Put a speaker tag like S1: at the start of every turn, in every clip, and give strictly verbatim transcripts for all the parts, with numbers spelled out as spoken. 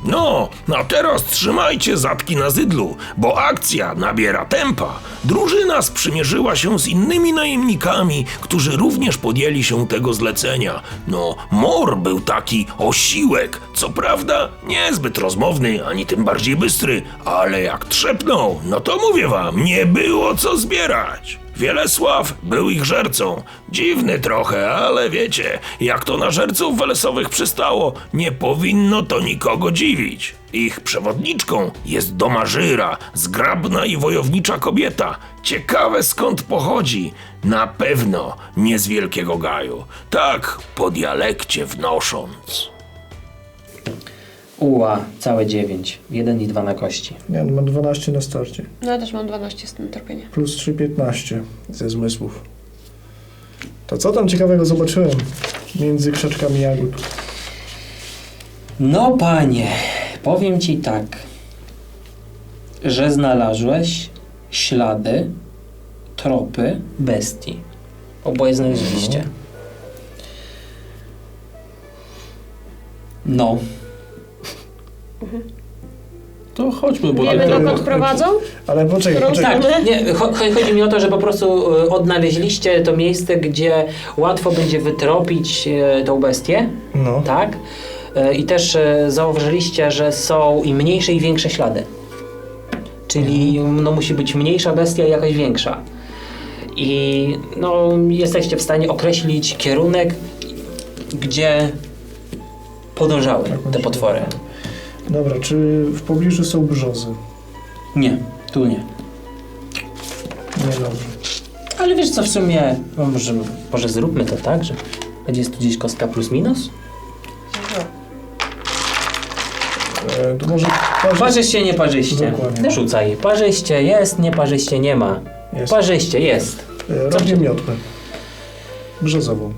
S1: No, a teraz trzymajcie zatki na zydlu, bo akcja nabiera tempa. Drużyna sprzymierzyła się z innymi najemnikami, którzy również podjęli się tego zlecenia. No, Mor był taki osiłek, co prawda niezbyt rozmowny, ani tym bardziej bystry, ale jak trzepnął, no to mówię wam, nie było co zbierać. Wielesław był ich żercą. Dziwny trochę, ale wiecie, jak to na żerców welesowych przystało, nie powinno to nikogo dziwić. Ich przewodniczką jest Domażyra, zgrabna i wojownicza kobieta. Ciekawe skąd pochodzi. Na pewno nie z Wielkiego Gaju. Tak po dialekcie wnosząc.
S2: Uła, całe dziewięć. Jeden i dwa na kości.
S3: Nie, mam dwanaście na starcie.
S4: No ja też mam dwanaście z tym tropienia.
S3: Plus trzy, piętnaście ze zmysłów. To co tam ciekawego zobaczyłem między krzaczkami jagód?
S2: No panie, powiem ci tak, że znalazłeś ślady, tropy bestii. Oboje znaleźliście. No.
S5: To chodźmy, bo...
S4: Wiemy,
S3: ale-
S4: dokąd prowadzą?
S3: Ale poczekaj,
S4: Którą
S3: poczekaj.
S4: stronę?
S2: Tak, nie, cho- chodzi mi o to, że po prostu y, odnaleźliście to miejsce, gdzie łatwo będzie wytropić y, tą bestię,
S3: No.
S2: tak? Y, I też y, zauważyliście, że są i mniejsze i większe ślady. Czyli no, musi być mniejsza bestia i jakaś większa. I no, jesteście w stanie określić kierunek, gdzie podążały te potwory.
S3: Dobra, czy w pobliżu są brzozy?
S2: Nie, tu nie.
S3: Nie, dobrze.
S2: Ale wiesz co, w sumie, no może, może zróbmy to tak, że będzie tu gdzieś kostka plus minus?
S3: E, to może... Parzyście.
S2: Parzyście, nie parzyście.
S3: Dokładnie.
S2: Rzucaj. Parzyście jest, nie parzyście nie ma.
S3: Jest.
S2: Parzyście jest.
S3: E, robię miotłę. Brzozową.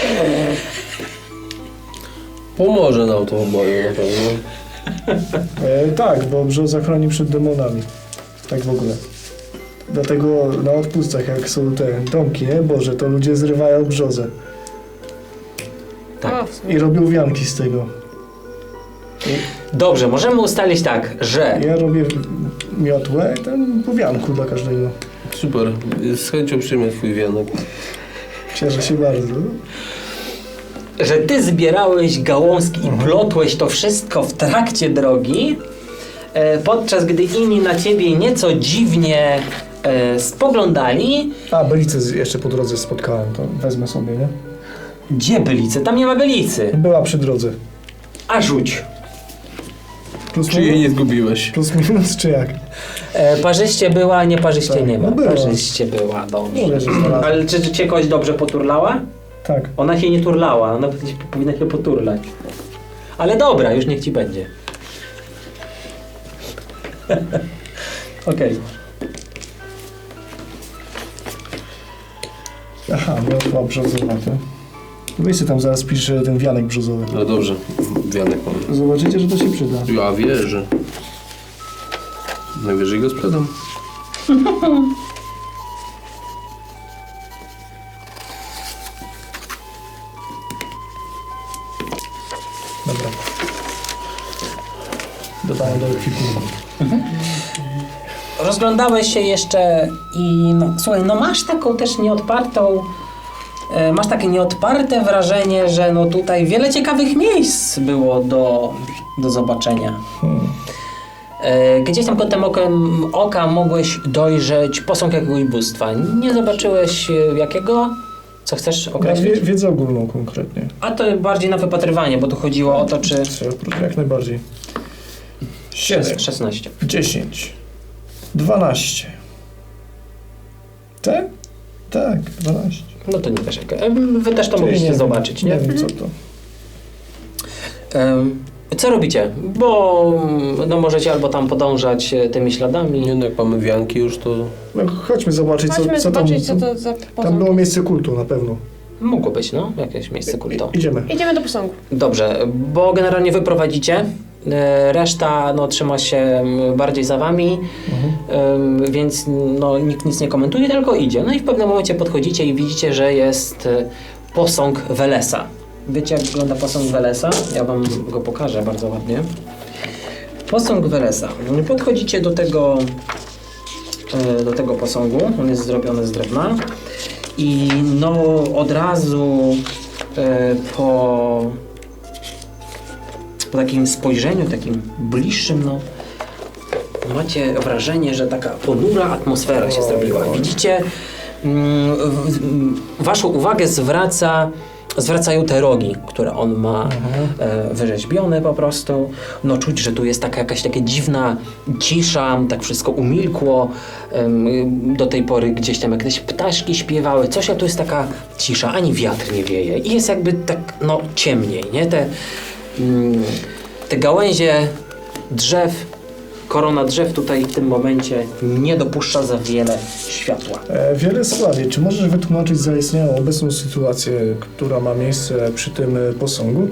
S5: Pomoże nam to oboje na pewno.
S3: E, tak, bo brzoza chroni przed demonami. Tak w ogóle. Dlatego na odpustach, jak są te domki, nie? Boże, to ludzie zrywają brzozę.
S2: Tak.
S4: O, w sumie.
S3: I robią wianki z tego.
S2: Dobrze, możemy ustalić tak, że
S3: Ja robię miotłę i tam po wianku dla każdego.
S5: Super, z chęcią przyjmę twój wianek.
S3: Cieszę się bardzo.
S2: że ty zbierałeś gałązki i plotłeś to wszystko w trakcie drogi, e, podczas gdy inni na ciebie nieco dziwnie e, spoglądali.
S3: A, belicę z- jeszcze po drodze spotkałem, to wezmę sobie, nie?
S2: Gdzie bylicy? Tam nie ma bylicy.
S3: Była przy drodze.
S2: A rzuć.
S3: Plus
S5: Czy jej nie zgubiłeś?
S3: Plus minus, czy jak?
S2: E, parzyście była, nie parzyście
S3: Tak,
S2: nie ma.
S3: no była.
S2: Parzyście była, dobrze.
S3: Mówię, że znalazłem.
S2: Ale czy, czy cię kogoś dobrze poturlała?
S3: Tak.
S2: Ona się nie turlała, ona gdzieś powinna się poturlać. Ale dobra, już niech ci będzie. Okej.
S3: Aha, miotła brzozowa, to. Weź sobie tam zaraz piszę ten wianek brzozowy.
S5: No dobrze, wianek mam.
S3: Zobaczycie, że to się przyda.
S5: Ja wierzę. Najwyżej go sprzedam.
S3: Dobra. Dodaję do ekwipunku.
S2: Rozglądałeś się jeszcze i no, słuchaj, no masz taką też nieodpartą, e, masz takie nieodparte wrażenie, że no tutaj wiele ciekawych miejsc było do, do zobaczenia.
S3: Hmm.
S2: E, gdzieś tam kątem okiem oka mogłeś dojrzeć posąg jakiegoś bóstwa. Nie zobaczyłeś e, jakiego? Co chcesz
S3: Ja
S2: określić?
S3: wie, wiedzę ogólną konkretnie.
S2: A to bardziej na wypatrywanie, bo tu chodziło o to, czy...
S3: Jak najbardziej. siedem,
S2: szesnaście.
S3: dziesięć, dwanaście. Tak? Tak, dwanaście.
S2: No to nie wiesz jak. e, Wy też to
S3: Czyli
S2: mogliście
S3: nie
S2: zobaczyć,
S3: wiem,
S2: nie?
S3: Nie wiem co to.
S2: Em, Co robicie? Bo no możecie albo tam podążać e, tymi śladami.
S5: Nie no, jak mamy wianki już, to...
S3: No, chodźmy zobaczyć, co,
S4: Chodźmy
S3: co tam.
S4: zobaczyć, co to za
S3: Tam
S4: posąg.
S3: było miejsce kultu na pewno.
S2: Mogło być, no, jakieś miejsce kultu.
S3: I, idziemy.
S4: Idziemy do posągu.
S2: Dobrze, bo generalnie wy prowadzicie. e, Reszta no, trzyma się m, bardziej za wami,
S3: Mhm.
S2: em, więc no, nikt nic nie komentuje, tylko idzie. No i w pewnym momencie podchodzicie i widzicie, że jest e, posąg Welesa. Wiecie, jak wygląda posąg Welesa? Ja wam go pokażę bardzo ładnie. Posąg Welesa. Podchodzicie do tego, e, do tego posągu. On jest zrobiony z drewna. I no od razu e, po, po takim spojrzeniu, takim bliższym, no macie wrażenie, że taka ponura atmosfera się zrobiła. Widzicie, mm, w- m, waszą uwagę zwraca, zwracają te rogi, które on ma e, wyrzeźbione po prostu. No czuć, że tu jest taka jakaś taka dziwna cisza, tak wszystko umilkło. Em, do tej pory gdzieś tam jakieś ptaszki śpiewały, coś, a tu jest taka cisza, ani wiatr nie wieje. I jest jakby tak, no ciemniej, nie? Te, mm, te gałęzie drzew, korona drzew tutaj w tym momencie nie dopuszcza za wiele światła.
S3: E, Wielesławie, czy możesz wytłumaczyć zaistniałą obecną sytuację, która ma miejsce przy tym e, posągu?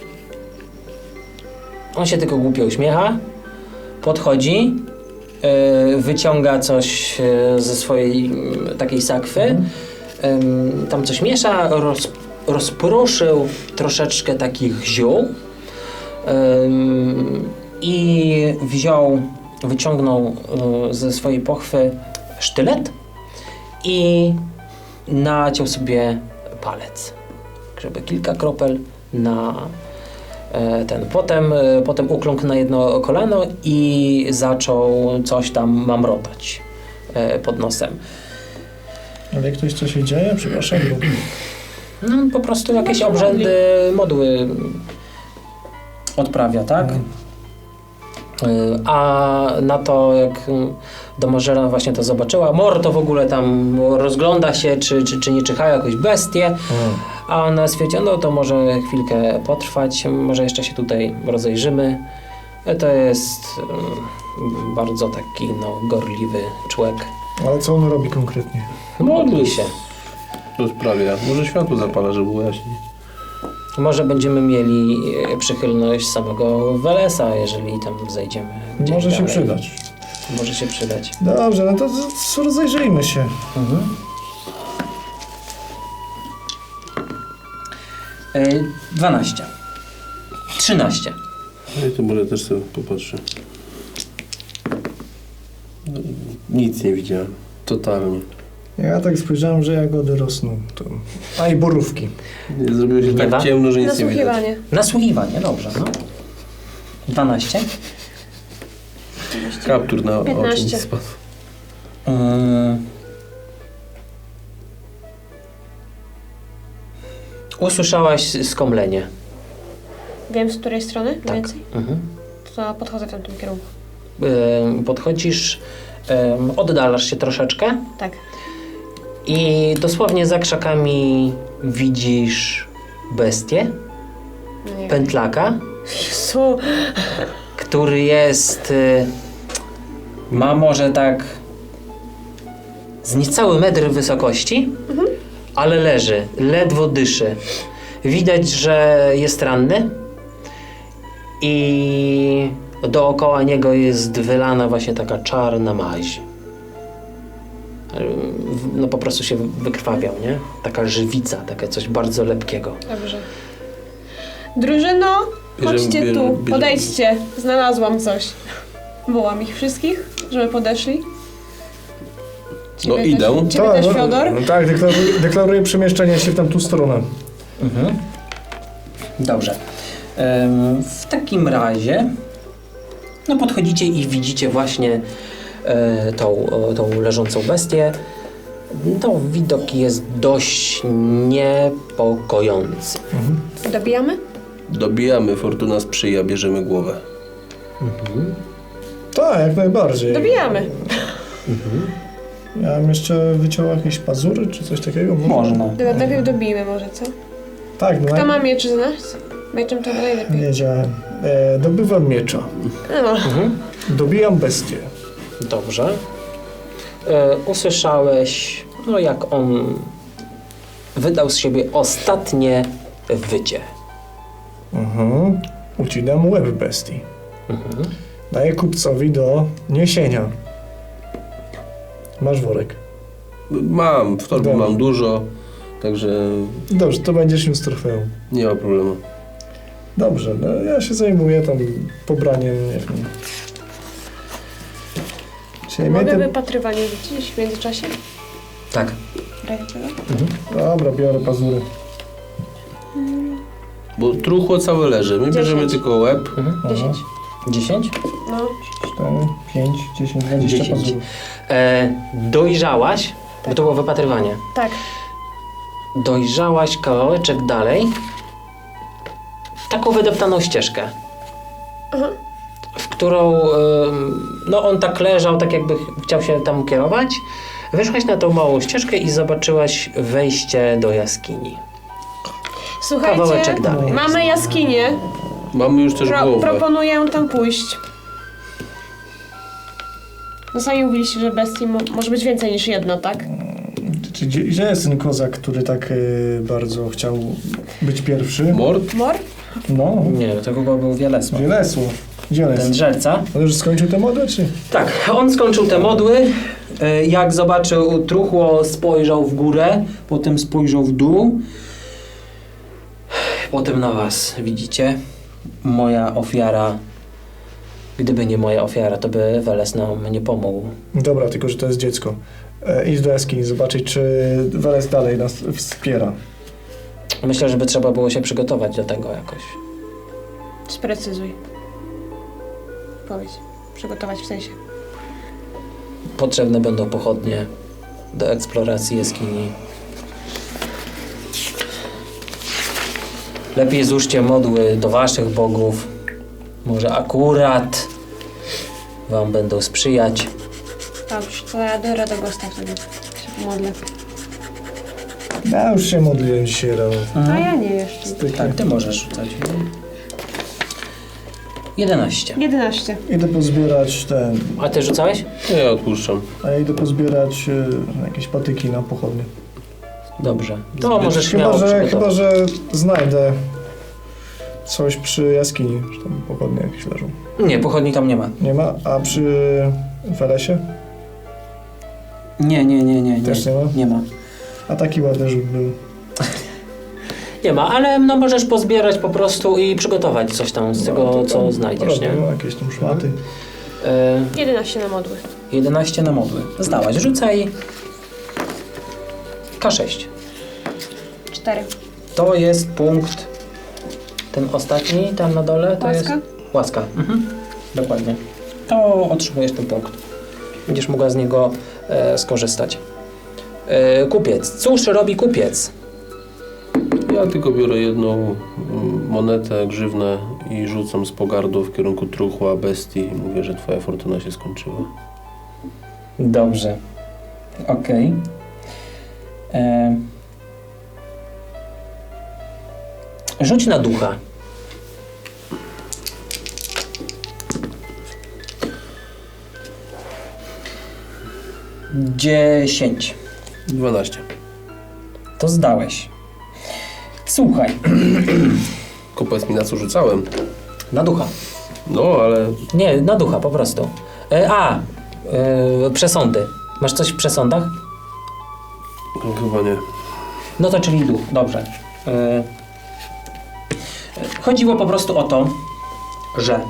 S2: On się tylko głupio uśmiecha, podchodzi, yy, wyciąga coś yy, ze swojej yy, takiej sakwy, yy, tam coś miesza, roz, rozproszył troszeczkę takich ziół yy, i wziął, wyciągnął yy, ze swojej pochwy sztylet i naciął sobie palec, żeby kilka kropel na e, ten. Potem, e, potem ukląkł na jedno kolano i zaczął coś tam mamrotać e, pod nosem.
S3: Ale jak ktoś co się dzieje? Przepraszam. Bo...
S2: No, po prostu jakieś obrzędy, modły odprawia, tak? E, A na to, jak domożera właśnie to zobaczyła, Mor to w ogóle tam rozgląda się, czy, czy, czy nie czyhają jakieś bestie, a ona stwierdziła, no to może chwilkę potrwać, może jeszcze się tutaj rozejrzymy. E, To jest mm, bardzo taki no, gorliwy człowiek.
S3: Ale co on robi konkretnie?
S2: Modli się.
S5: To sprawia. Może światło zapala, żeby było jaśniej.
S2: Może będziemy mieli e, przychylność samego Welesa, jeżeli tam zejdziemy gdzieś
S3: Może się
S2: dalej.
S3: przydać.
S2: Może się przydać.
S3: Dobrze, no to, to rozejrzyjmy się.
S2: Mhm. E, dwanaście. trzynaście.
S5: No i to może też sobie popatrzę. No, nic nie widziałem. Totalnie.
S3: Ja tak spojrzałem, że jagody rosną. To... A i borówki.
S5: Nie, zrobiło się
S2: Nie
S5: tak
S2: ma?
S5: ciemno, że nic nie widać.
S4: Nasłuchiwanie.
S2: Nasłuchiwanie, dobrze, no. dwanaście.
S5: Kaptur na oczy mi
S4: piętnaście.
S5: spadł.
S2: Yy... Usłyszałaś skomlenie.
S4: Wiem z której strony mniej
S2: Tak.
S4: więcej?
S2: Mhm.
S4: To podchodzę w tamtym kierunku.
S2: Yy, podchodzisz, yy, oddalasz się troszeczkę
S4: Tak.
S2: i dosłownie za krzakami widzisz bestię,
S4: No nie.
S2: pętlaka,
S4: Jezu.
S2: który jest, y, ma może tak z niecały metr wysokości, ale leży, ledwo dyszy. Widać, że jest ranny i dookoła niego jest wylana właśnie taka czarna maź. No po prostu się wykrwawiał, nie? Taka żywica, takie coś bardzo lepkiego.
S4: Dobrze. Drużyno,
S5: Bierzemy-
S4: chodźcie
S5: bierzemy-
S4: tu,
S5: bierzemy-
S4: podejdźcie. Znalazłam coś. Wołam ich wszystkich, żeby podeszli.
S5: No
S4: Ciebie
S5: idę.
S4: Też, ciebie też,
S3: no,
S4: Fiodor?
S3: no, tak, deklaruję, deklaruję przemieszczenie się w tamtą stronę.
S2: Mhm. Dobrze. Em, W takim razie no podchodzicie i widzicie właśnie e, tą, o, tą leżącą bestię. To widok jest dość niepokojący.
S4: Dobijamy?
S5: Dobijamy, fortuna sprzyja, bierzemy głowę.
S3: Tak, jak najbardziej.
S4: Dobijamy.
S3: Ja bym jeszcze wyciął jakieś pazury, czy coś takiego?
S4: Dobra, najpierw dobijmy może, co?
S3: Tak, no
S4: Kto
S3: jak-
S4: ma miecz z nas? Mieczem to najlepiej.
S3: wiedziałem. E, dobywam miecza.
S4: No.
S2: Mhm.
S3: Dobijam bestię.
S2: Dobrze. E, usłyszałeś, no jak on wydał z siebie ostatnie wycie.
S3: Mhm. Ucinam łeb bestii.
S2: Mhm.
S3: Daję kupcowi do niesienia. Masz worek.
S5: Mam, w torbie
S3: Dobra.
S5: mam dużo, także
S3: Dobrze, to będziesz niósł trofeum.
S5: nie ma problemu.
S3: Dobrze, no ja się zajmuję tam pobraniem, nie wiem. Czyli mnie
S4: Mogę
S3: te...
S4: wypatrywanie rzucić w międzyczasie?
S2: Tak.
S4: Daję tego?
S3: Dobra, biorę pazury.
S5: Bo truchło całe leży. My bierzemy
S4: Dziesięć.
S5: tylko łeb.
S4: dziesięć.
S2: dziesięć?
S4: No.
S3: cztery, pięć, dziesięć, dwadzieścia
S2: dziesięć.
S3: pazurów.
S2: E, dojrzałaś, bo to było wypatrywanie.
S4: Tak.
S2: Dojrzałaś kawałeczek dalej taką wydeptaną ścieżkę,
S4: Aha.
S2: w którą em, no on tak leżał, tak jakby ch- chciał się tam kierować. Wyszłaś na tą małą ścieżkę i zobaczyłaś wejście do jaskini.
S4: Słuchajcie,
S2: Kawałeczek dalej.
S4: mamy jaskinię.
S5: Mamy już też
S4: Pro,
S5: głowę.
S4: proponuję tam pójść. No sami mówiliście, że bestii mo może być więcej niż jedna, tak?
S3: Czy gdzie, gdzie jest ten kozak, który tak y, bardzo chciał być pierwszy?
S5: Mord?
S4: Mor?
S3: No,
S2: Nie, to chyba był Wielesław.
S3: Wielesło. Gdzie on
S2: Ten
S3: jest?
S2: drzelca.
S3: On już skończył tę modę, czy?
S2: Tak, on skończył te modły. E, Jak zobaczył truchło, spojrzał w górę, potem spojrzał w dół. Potem na was, widzicie? Moja ofiara. Gdyby nie moja ofiara, to by Weles nam nie pomógł.
S3: Dobra, tylko że to jest dziecko. E, idź do jaskini, zobaczyć, czy Weles dalej nas wspiera.
S2: Myślę, że by trzeba było się przygotować do tego jakoś.
S4: Sprecyzuj. Powiedz. Przygotować w sensie.
S2: Potrzebne będą pochodnie do eksploracji jaskini. Lepiej złóżcie modły do waszych bogów. Może akurat wam będą sprzyjać.
S4: Dobrze, to ja do Radogosta wtedy się pomodlę.
S3: Ja już się modliłem dzisiaj rano.
S4: A ja nie jeszcze.
S2: Tak, ty możesz rzucać. jedenaście.
S4: jedenaście.
S3: Idę pozbierać ten...
S2: A ty rzucałeś?
S5: No ja odpuszczam.
S3: A ja idę pozbierać e, jakieś patyki na pochodnie.
S2: Dobrze. To możesz
S3: Chyba
S2: śmiało
S3: że,
S2: przygotować.
S3: chyba, że znajdę coś przy jaskini, że tam pochodnie jakieś leżą.
S2: Nie, pochodni tam nie ma.
S3: Nie ma? A przy Welesie?
S2: Nie, nie, nie, nie. nie.
S3: Też nie ma?
S2: Nie ma.
S3: A taki ładny rzut był.
S2: Nie ma, ale no możesz pozbierać po prostu i przygotować coś tam z tego,
S3: No, to
S2: co
S3: tam
S2: znajdziesz, nie?
S3: robię, no, jakieś tam szmaty.
S2: E,
S4: jedenaście na modły.
S2: jedenaście na modły. Zdałaś. Rzucaj K sześć.
S4: cztery.
S2: To jest punkt, ten ostatni tam na dole, to
S4: Łaska?
S2: jest łaska. Mhm. Dokładnie. To otrzymujesz ten punkt. Będziesz mogła z niego e, skorzystać. E, kupiec. Cóż robi kupiec?
S5: Ja tylko biorę jedną mm, monetę, grzywnę i rzucam z pogardą w kierunku truchła bestii i mówię, że twoja fortuna się skończyła.
S2: Dobrze. Okej. E, Rzuć na ducha. Dziesięć.
S5: dwanaście.
S2: To zdałeś. Słuchaj.
S5: Tylko powiedz mi, na co rzucałem.
S2: Na ducha.
S5: No, ale
S2: Nie, na ducha po prostu. E, a, e, przesądy. Masz coś w przesądach?
S5: chyba nie.
S2: No to czyli duch, dobrze. E, chodziło po prostu o to, że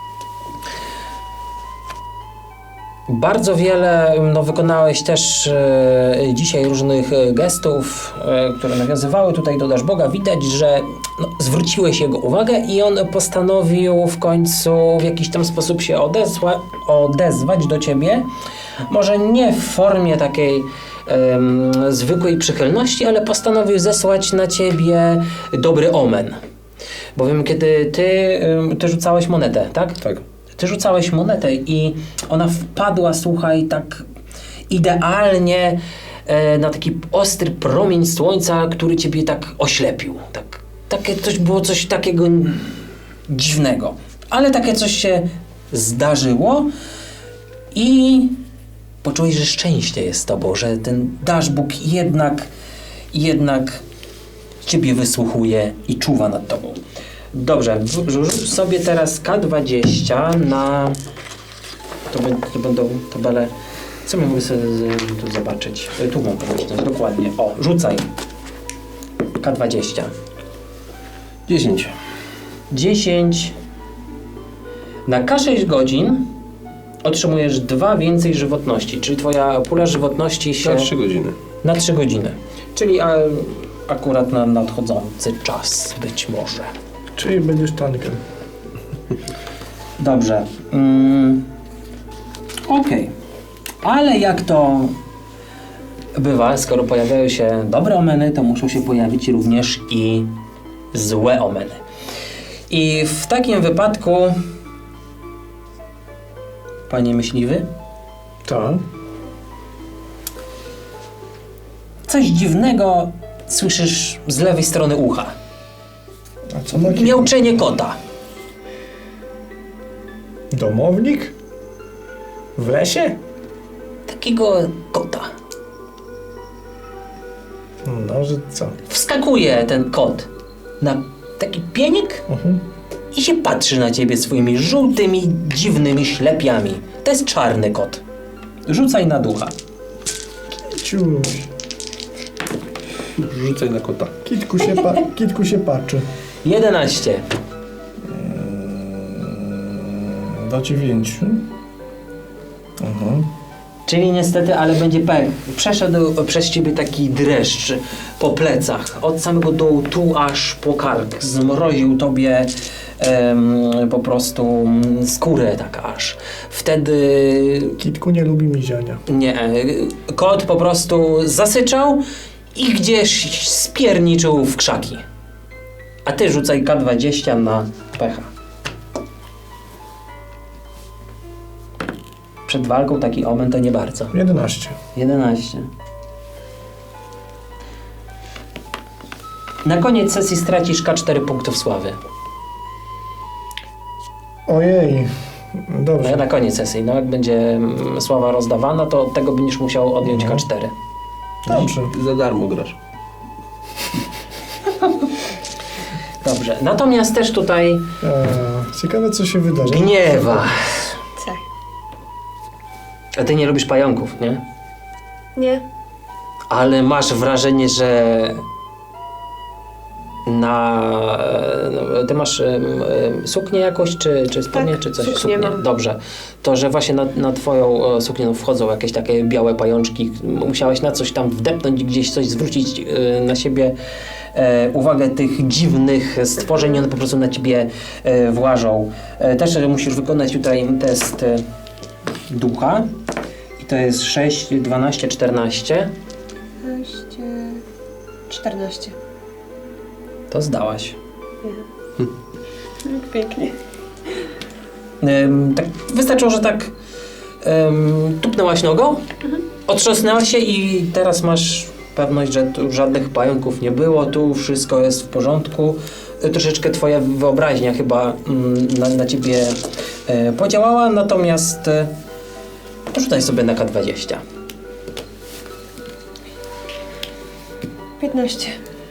S2: bardzo wiele no, wykonałeś też e, dzisiaj różnych e, gestów, e, które nawiązywały tutaj do Daszboga. Widać, że no, zwróciłeś jego uwagę i on postanowił w końcu w jakiś tam sposób się odezwa, odezwać do ciebie. Może nie w formie takiej em, zwykłej przychylności, ale postanowił zesłać na ciebie dobry omen. Bowiem kiedy ty, em, ty rzucałeś monetę, tak?
S5: Tak.
S2: Ty rzucałeś monetę i ona wpadła, słuchaj, tak idealnie e, na taki ostry promień słońca, który ciebie tak oślepił. Tak, takie coś było coś takiego dziwnego. Ale takie coś się zdarzyło i poczułeś, że szczęście jest z tobą, że ten Daszbóg jednak, jednak ciebie wysłuchuje i czuwa nad tobą. Dobrze, w- rzuć sobie teraz K dwadzieścia na... To, bę- to będą tabele... Co my mogę sobie z- tu zobaczyć? E, Tu mam pomyśleć, dokładnie. O, rzucaj. K dwadzieścia.
S5: dziesięć.
S2: dziesięć. Na K sześć godzin otrzymujesz dwa więcej żywotności, czyli twoja pula żywotności się...
S5: Na trzy godziny.
S2: Na trzy godziny. Czyli a, akurat na nadchodzący czas być może.
S3: Czyli będziesz tankiem.
S2: Dobrze. Mm. Okej. Ale jak to bywa, skoro pojawiają się dobre omeny, to muszą się pojawić również i złe omeny. I w takim wypadku, panie myśliwy,
S3: Tak.
S2: coś dziwnego słyszysz z lewej strony ucha.
S3: A co ma kitku?
S2: Miauczenie kota.
S3: Domownik? W lesie?
S2: Takiego kota.
S3: No, że co?
S2: Wskakuje ten kot na taki pienik
S3: Mhm.
S2: i się patrzy na ciebie swoimi żółtymi, dziwnymi ślepiami. To jest czarny kot. Rzucaj na ducha.
S3: Ciuś.
S5: Rzucaj na kota.
S3: Kitku się, pa kitku się patrzy.
S2: jedenaście.
S3: Do dziewięciu. Mhm.
S2: Czyli niestety, ale będzie pech. Przeszedł przez ciebie taki dreszcz po plecach. Od samego dołu tu aż po kark. Zmroził tobie em, po prostu skórę tak aż. Wtedy
S3: Kitku nie lubi miziania.
S2: nie. Kot po prostu zasyczał i gdzieś spierniczył w krzaki. A ty rzucaj K dwadzieścia na pecha. Przed walką taki omen to nie bardzo.
S3: jedenaście.
S2: jedenaście. Na koniec sesji stracisz K cztery punktów sławy.
S3: Ojej.
S2: No,
S3: Dobrze.
S2: na koniec sesji. No, jak będzie mm, sława rozdawana, to od tego będziesz musiał odjąć
S3: Mhm.
S2: K cztery.
S3: Dobrze.
S5: Za darmo grasz.
S2: Dobrze. Natomiast też tutaj
S3: Eee, ciekawe, co się wydarzy.
S2: gniewa.
S4: Tak.
S2: A ty nie lubisz pająków, nie?
S4: Nie.
S2: Ale masz wrażenie, że na... no, ty masz em, em, suknię jakoś, czy, czy spodnie,
S4: Tak,
S2: czy coś?
S4: suknię mam.
S2: Dobrze. To, że właśnie na, na twoją e, suknię wchodzą jakieś takie białe pajączki, musiałeś na coś tam wdepnąć, gdzieś coś zwrócić e, na siebie e, uwagę tych dziwnych stworzeń, one po prostu na ciebie e, włażą. E, też e, musisz wykonać tutaj test e, ducha. I to jest sześć, dwanaście, czternaście.
S4: czternaście.
S2: To zdałaś.
S4: Pięknie.
S2: Ym, tak wystarczyło, że tak ym, tupnęłaś nogą, otrząsnęłaś się i teraz masz pewność, że tu żadnych pająków nie było, tu wszystko jest w porządku. Y, Troszeczkę twoja wyobraźnia chyba ym, na, na ciebie y, podziałała, natomiast y, porzucaj sobie na K dwadzieścia.
S4: piętnaście.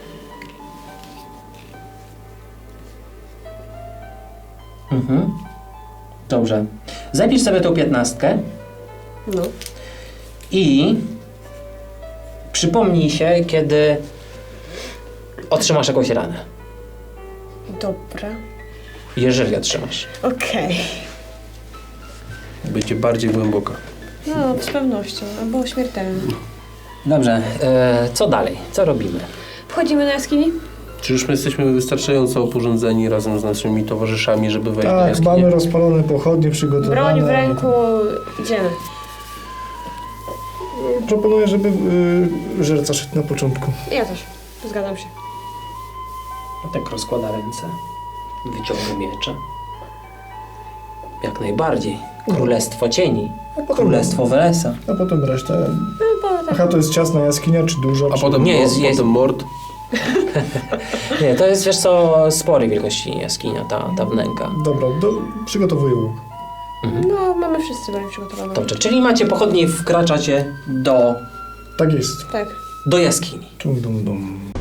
S2: Mhm. Dobrze. Zapisz sobie tą piętnastkę.
S4: No.
S2: I przypomnij się, kiedy otrzymasz jakąś ranę.
S4: Dobra.
S2: Jeżeli otrzymasz.
S4: Okej.
S5: Będzie bardziej głęboka.
S4: No, z pewnością. Albo śmiertelne.
S2: Dobrze, e, co dalej? Co robimy?
S4: Wchodzimy do jaskini?
S5: Czy już my jesteśmy wystarczająco oporządzeni razem z naszymi towarzyszami, żeby wejść do
S3: Tak,
S5: jaskini?
S3: mamy rozpalone pochodnie przygotowane.
S4: Broń w ręku. Idziemy.
S3: Proponuję, żeby y, żerca szedł na początku.
S4: Ja też. Zgadzam się.
S2: Tak rozkłada ręce, wyciąga miecze. Jak najbardziej. Królestwo cieni.
S3: A potem,
S2: Królestwo Welesa.
S3: a potem resztę.
S4: No, bo tak.
S3: Aha, to jest ciasna jaskinia, czy duża?
S5: A
S3: czy...
S5: potem,
S2: Nie,
S5: nie,
S2: jest-
S5: jest,
S2: jest-
S5: potem mord.
S2: Nie, to jest, wiesz co, sporej wielkości jaskinia, ta, ta wnęka.
S3: Dobra, do, przygotowuję łuk.
S4: No, mamy wszyscy broń przygotowaną.
S2: Dobrze, czyli macie pochodnie i wkraczacie do,
S3: Tak jest.
S4: Tak.
S2: do jaskini.
S3: Dum, dum, dum.